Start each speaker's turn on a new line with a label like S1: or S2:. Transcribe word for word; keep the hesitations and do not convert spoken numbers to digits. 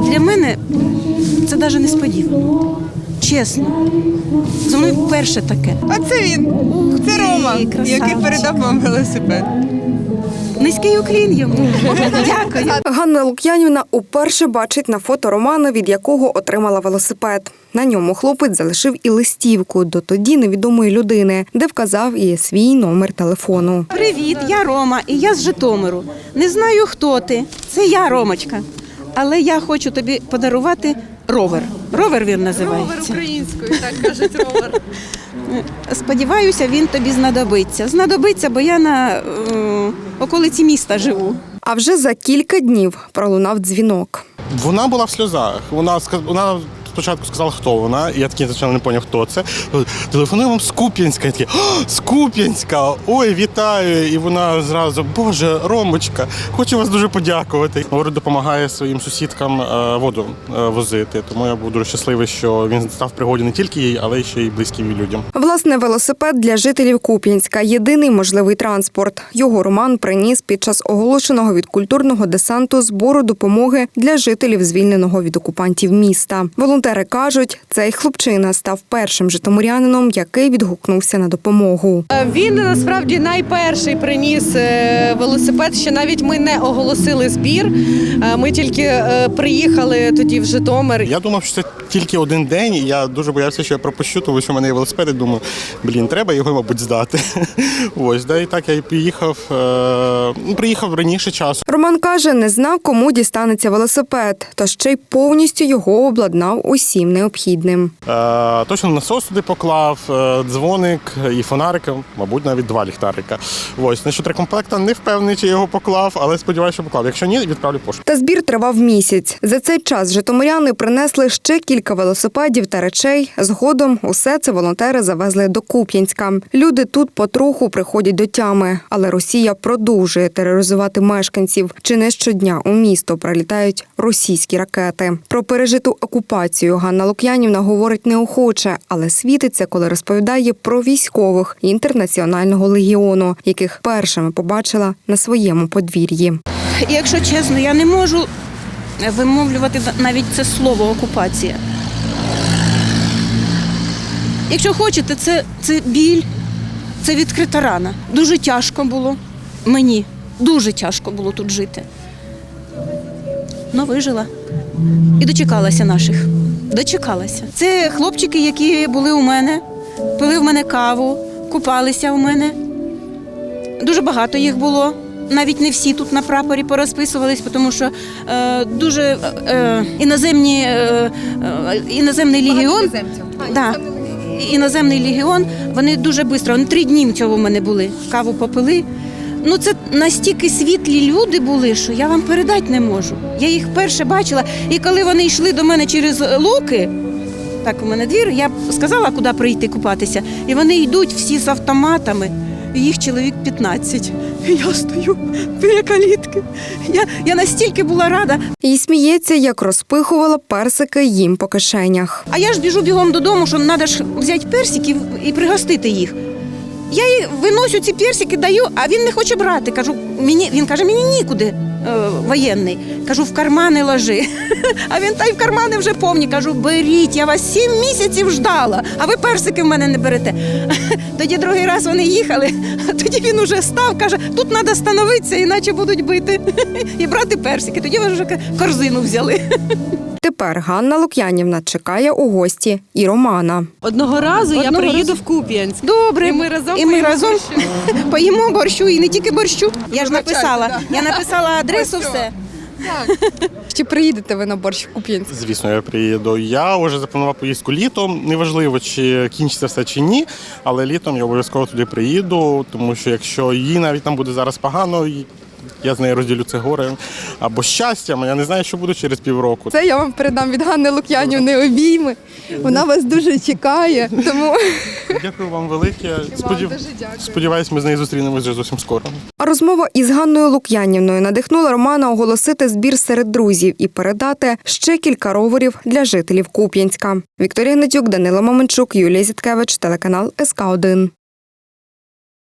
S1: Для мене це навіть несподівано. Чесно. Зі мною вперше таке.
S2: А це він, це Рома, який передав вам велосипед.
S1: Низький уклін йому. Дякую.
S3: Ганна Лук'янівна уперше бачить на фото Романа, від якого отримала велосипед. На ньому хлопець залишив і листівку до тоді невідомої людини, де вказав і свій номер телефону.
S1: Привіт, я Рома, і я з Житомиру. Не знаю, хто ти. Це я, Ромочка. Але я хочу тобі подарувати ровер. Ровер він називається.
S2: Ровер українською, так кажуть, ровер.
S1: Сподіваюся, він тобі знадобиться. Знадобиться, бо я на е, околиці міста живу.
S3: А вже за кілька днів пролунав дзвінок.
S4: Вона була в сльозах. Вона, вона спочатку сказала, хто вона, і я такий звичайно не зрозумів, хто це. Телефоную вам з Куп'янська. Я такий, з Куп'янська! Ой, вітаю! І вона зразу, Боже, Ромочка, хочу вас дуже подякувати. Говорить, допомагає своїм сусідкам воду возити. Тому я був дуже щасливий, що він став в пригоді не тільки їй, але й ще й близьким людям.
S3: Власне, велосипед для жителів Куп'янська – єдиний можливий транспорт. Його Роман приніс під час оголошеного від культурного десанту збору допомоги для жителів звільненого від окупантів міста. Волонтери кажуть, цей хлопчина став першим житомирянином, який відгукнувся на допомогу.
S2: Він насправді найперший приніс велосипед, ще навіть ми не оголосили збір. Ми тільки приїхали тоді в Житомир.
S4: Я думав, що це тільки один день, і я дуже боявся, що я пропущу, тому що в мене є велосипед, і думаю, блін, треба його, мабуть, здати. Ось, да, і так я і приїхав, е, приїхав раніше часу.
S3: Роман каже, не знав, кому дістанеться велосипед, та ще й повністю його обладнав усім необхідним.
S4: Е, точно насос туди поклав, е, дзвоник і фонарик, мабуть, навіть два ліхтарика. Ось, насчет рекомплекта не впевнений, чи його поклав, але сподіваюся, що поклав. Якщо ні, відправлю пошту.
S3: Та збір тривав місяць. За цей час житомиряни принесли ще кілька велосипедів та речей. Згодом усе це волонтери завезли до Куп'янська. Люди тут потроху приходять до тями, але Росія продовжує тероризувати мешканців. Чи не щодня у місто прилітають російські ракети. Про пережиту окупацію Ганна Лук'янівна говорить неохоче, але світиться, коли розповідає про військових Інтернаціонального легіону, яких першими побачила на своєму подвір'ї.
S1: І якщо чесно, я не можу вимовлювати навіть це слово «окупація». Якщо хочете, це, це біль, це відкрита рана. Дуже тяжко було мені, дуже тяжко було тут жити. Но вижила і дочекалася наших. Дочекалася. Це хлопчики, які були у мене, пили в мене каву, купалися у мене. Дуже багато їх було. Навіть не всі тут на прапорі порозписувались, тому що е, дуже е, іноземні, е, е, іноземний легіон, да, іноземний легіон, вони дуже швидко, вони три дні цього в мене були, каву попили. Ну це настільки світлі люди були, що я вам передати не можу. Я їх вперше бачила, і коли вони йшли до мене через луки, так у мене двір, я сказала, куди прийти купатися, і вони йдуть всі з автоматами. Їх чоловік п'ятнадцять. Я стою біля калітки. Я, я настільки була рада.
S3: І сміється, як розпихувала персики їм по кишенях.
S1: А я ж біжу бігом додому, що треба ж взяти персиків і пригостити їх. Я їй виносю ці персики, даю, а він не хоче брати. Кажу, мені, він каже, мені нікуди, е, воєнний. Кажу, в кармани ложи. А він, та й в кармани вже повні. Кажу, беріть, я вас сім місяців ждала, а ви персики в мене не берете. Тоді другий раз вони їхали, а тоді він уже став, каже, тут треба становитися, іначе будуть бити. І брати персики. Тоді вони вже корзину взяли.
S3: Тепер Ганна Лук'янівна чекає у гості і Романа.
S2: Одного разу
S1: Одного
S2: я приїду
S1: разу.
S2: в Куп'янськ.
S1: Добре,
S2: І ми разом
S1: і ми
S2: поїмо
S1: разом
S2: борщу.
S1: поїмо борщу, і не тільки борщу. Я ж
S2: Вибачайте,
S1: написала,
S2: да.
S1: я написала адресу, все.
S5: Чи приїдете ви на борщ в Куп'янськ?
S4: Звісно, я приїду. Я вже запланував поїздку літом. Неважливо, чи кінчиться все чи ні, але літом я обов'язково туди приїду, тому що якщо їй навіть там буде зараз погано, я з нею розділю це горе або щастям, я не знаю, що буде через півроку.
S5: Це я вам передам від Ганни Лук'янівни обійми. Вона вас дуже чекає, тому...
S4: Дякую вам велике. Сподів... Сподіваюсь, ми з нею зустрінемось вже зовсім скоро.
S3: А розмова із Ганною Лук'янівною надихнула Романа оголосити збір серед друзів і передати ще кілька роверів для жителів Куп'янська. Вікторія Гнатюк, Данило Маменчук, Юлія Зіткевич, телеканал ес ка один.